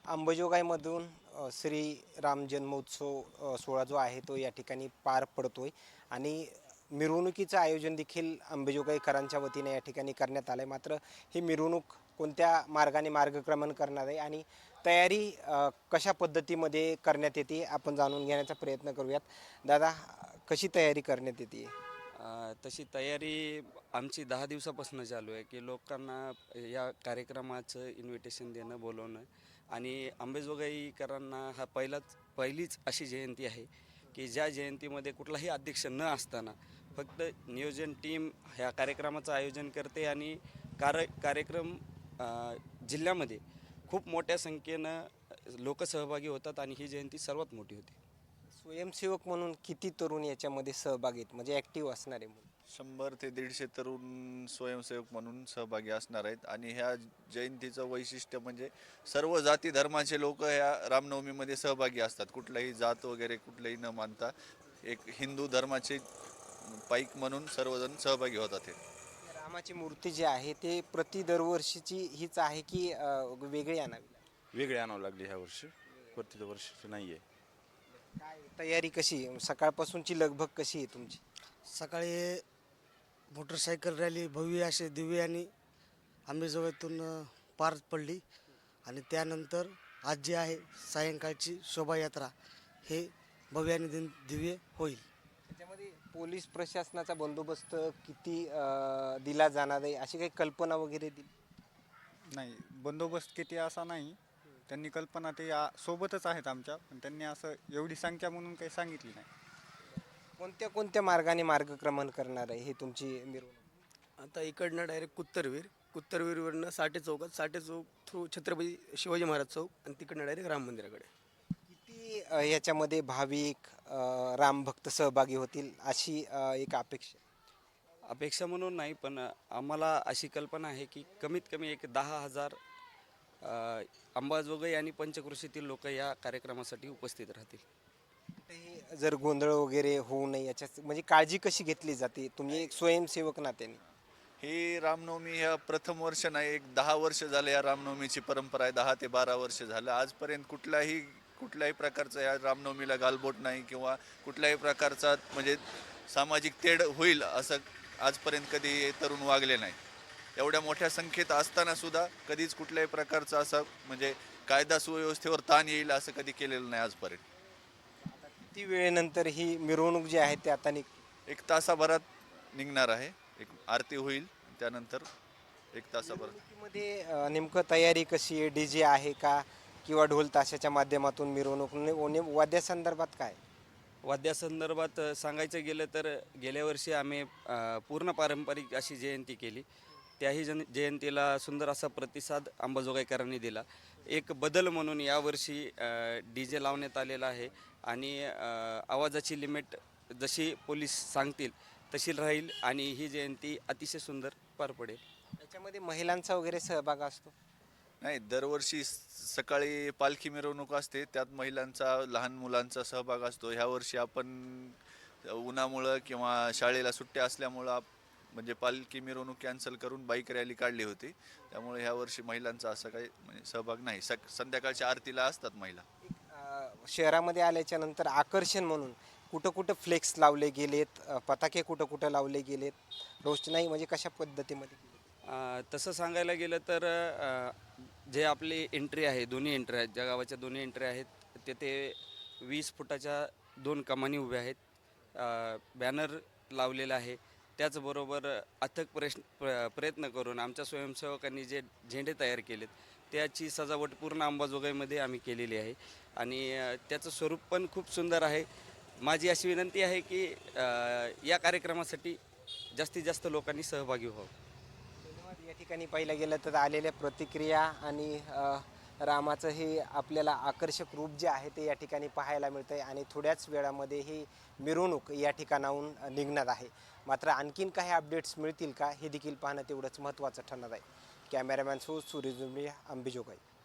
अंबाजोगाईमधून श्री राम जन्मोत्सव सोहळा जो आहे तो या ठिकाणी पार पडतोय आणि मिरवणुकीचं आयोजन देखील अंबाजोगाईकरांच्या वतीने या ठिकाणी करण्यात आलं आहे. मात्र ही मिरवणूक कोणत्या मार्गाने मार्गक्रमण करणार आहे आणि तयारी कशा पद्धतीमध्ये करण्यात येते आपण जाणून घेण्याचा प्रयत्न करूयात. दादा, कशी तयारी करण्यात येते? तशी तयारी आमची 10 दिवसापासून चालू आहे की लोकांना या कार्यक्रमाचं इन्व्हिटेशन देणं, बोलवणं. आणि अंबाजोगाईकरांना हा पहिलीच अशी जयंती आहे की ज्या जयंतीमध्ये कुठलाही अध्यक्ष न असताना फक्त नियोजन टीम ह्या कार्यक्रमाचं आयोजन करते आणि कार्यक्रम जिल्ह्यामध्ये खूप मोठ्या संख्येनं लोक सहभागी होतात आणि ही जयंती सर्वात मोठी होती. स्वयंसेवक म्हणून किती तरुण याच्यामध्ये सहभागी आहेत, म्हणजे ॲक्टिव्ह असणारे म्हणून? 100 ते 150 तरुण स्वयंसेवक म्हणून सहभागी असणार आहेत. आणि ह्या जयंतीचं वैशिष्ट्य म्हणजे सर्व जाती धर्माचे लोक ह्या रामनवमीमध्ये सहभागी असतात. कुठलाही जात वगैरे कुठलंही न मानता एक हिंदू धर्माचे पाईक म्हणून सर्वजण सहभागी होतात. हे रामाची मूर्ती जी आहे ते दरवर्षीची हीच आहे की वेगळी आणावी? वेगळे आणावं लागले ह्या वर्षी, प्रति वर्षी नाही आहे. काय तयारी कशी, सकाळपासूनची लगबग कशी आहे तुमची? सकाळी मोटरसायकल रॅली भव्य असे दिव्य आणि अंबाजोगाईतून पार पडली आणि त्यानंतर आज जी आहे सायंकाळची शोभायात्रा हे भव्य आणि दिव्य होईल. त्याच्यामध्ये पोलीस प्रशासनाचा बंदोबस्त किती दिला जाणार आहे अशी काही कल्पना वगैरे दिली? नाही, बंदोबस्त किती असा नाही. त्यांनी कल्पना ते सोबतच आहेत आमच्या, पण त्यांनी असं एवढी संख्या म्हणून काही सांगितली नाही. कोणत्या कोणत्या मार्गाने मार्गक्रमण करणार आहे हे तुमची मिरवणूक? आता इकडनं डायरेक्ट कुत्तरवीरवरनं साठे चौक थ्रू छत्रपती शिवाजी महाराज चौक आणि तिकडनं डायरेक्ट राम मंदिराकडे. किती याच्यामध्ये भाविक रामभक्त सहभागी होतील अशी एक अपेक्षा म्हणून नाही, पण आम्हाला अशी कल्पना आहे की कमीत कमी एक 10,000 अंबाजोगाई आणि पंचक्रोशीतील लोक या कार्यक्रमासाठी उपस्थित राहतील. कुठेही जर गोंधळ वगैरे होऊ नये याच्या म्हणजे काळजी कशी घेतली जाते तुम्ही एक स्वयंसेवक नात्याने? ही रामनवमी ह्या प्रथम वर्ष नाही, एक 10 वर्ष झाले या रामनवमीची परंपरा आहे. 10 ते 12 वर्ष झालं. आजपर्यंत कुठल्याही प्रकारचं या रामनवमीला गालबोट नाही किंवा कुठल्याही प्रकारचा म्हणजे सामाजिक तेढ होईल असं आजपर्यंत कधी तरुण वागले नाही. एवढ्या मोठ्या संख्येत असताना सुद्धा कधीच कुठल्याही प्रकारचं असं म्हणजे कायदा सुव्यवस्थेवर ताण येईल असं कधी केलेलं नाही आजपर्यंत. किती वेळेनंतर ही मिरवणूक जी आहे ते आता एक तासाभरात निघणार आहे. एक आरती होईल, त्यानंतर एक तासाभरात. मध्ये नेमकं तयारी कशी आहे? DJ आहे का किंवा ढोल ताशाच्या माध्यमातून मिरवणूक? वाद्यासंदर्भात काय? वाद्यासंदर्भात सांगायचं गेलं तर गेल्या वर्षी आम्ही पूर्ण पारंपरिक अशी जयंती केली. त्याही जयंतीला सुंदर असा प्रतिसाद अंबाजोगाईकरांनी दिला. एक बदल म्हणून यावर्षी DJ लावण्यात आलेला आहे आणि आवाजाची लिमिट जशी पोलीस सांगतील तशी राहील आणि ही जयंती अतिशय सुंदर पार पडेल. याच्यामध्ये महिलांचा वगैरे सहभाग असतो? नाही, दरवर्षी सकाळी पालखी मिरवणूक असते, त्यात महिलांचा, लहान मुलांचा सहभाग असतो. ह्या वर्षी आपण उन्हामुळं किंवा शाळेला सुट्ट्या असल्यामुळं म्हणजे पालखी मिरवणूक कॅन्सल करून बाईक रॅली काढली होती. त्यामुळे ह्या वर्षी महिलांचा असं काही म्हणजे सहभाग नाही. संध्याकाळच्या आरतीला असतात महिला. शहरामध्ये आल्याच्या नंतर आकर्षण म्हणून कुठं कुठं फ्लेक्स लावले गेलेत, पताके कुठं कुठं लावले गेलेत, रोषणाई म्हणजे कशा पद्धतीमध्ये केली? तसं सांगायला गेलं तर जे आपली एंट्री आहे, दोन्ही एंट्री आहेत, ज्या गावाच्या दोन्ही एंट्री आहेत तेथे 20 फुटाच्या 2 कमानी उभ्या आहेत. बॅनर लावलेला आहे. त्याचबरोबर अथक प्रयत्न करून आमच्या स्वयंसेवकांनी जे झेंडे तयार केलेत त्याची सजावट पूर्ण अंबाजोगाईमध्ये आम्ही केलेली आहे आणि त्याचं स्वरूप पण खूप सुंदर आहे. माझी अशी विनंती आहे की या कार्यक्रमासाठी जास्तीत जास्त लोकांनी सहभागी व्हावं. धन्यवाद. या ठिकाणी पाहिलं गेलं तर आलेल्या प्रतिक्रिया आणि रामाचं हे आपल्याला आकर्षक रूप जे आहे ते या ठिकाणी पाहायला मिळतं आहे आणि थोड्याच वेळामध्ये ही मिरवणूक या ठिकाणाहून निघणार आहे. मात्र आणखीन काही अपडेट्स मिळतील का हे देखील पाहणं तेवढंच महत्त्वाचं ठरणार आहे. कॅमेरामॅन सूर्य जुंबळे, अंबाजोगाई.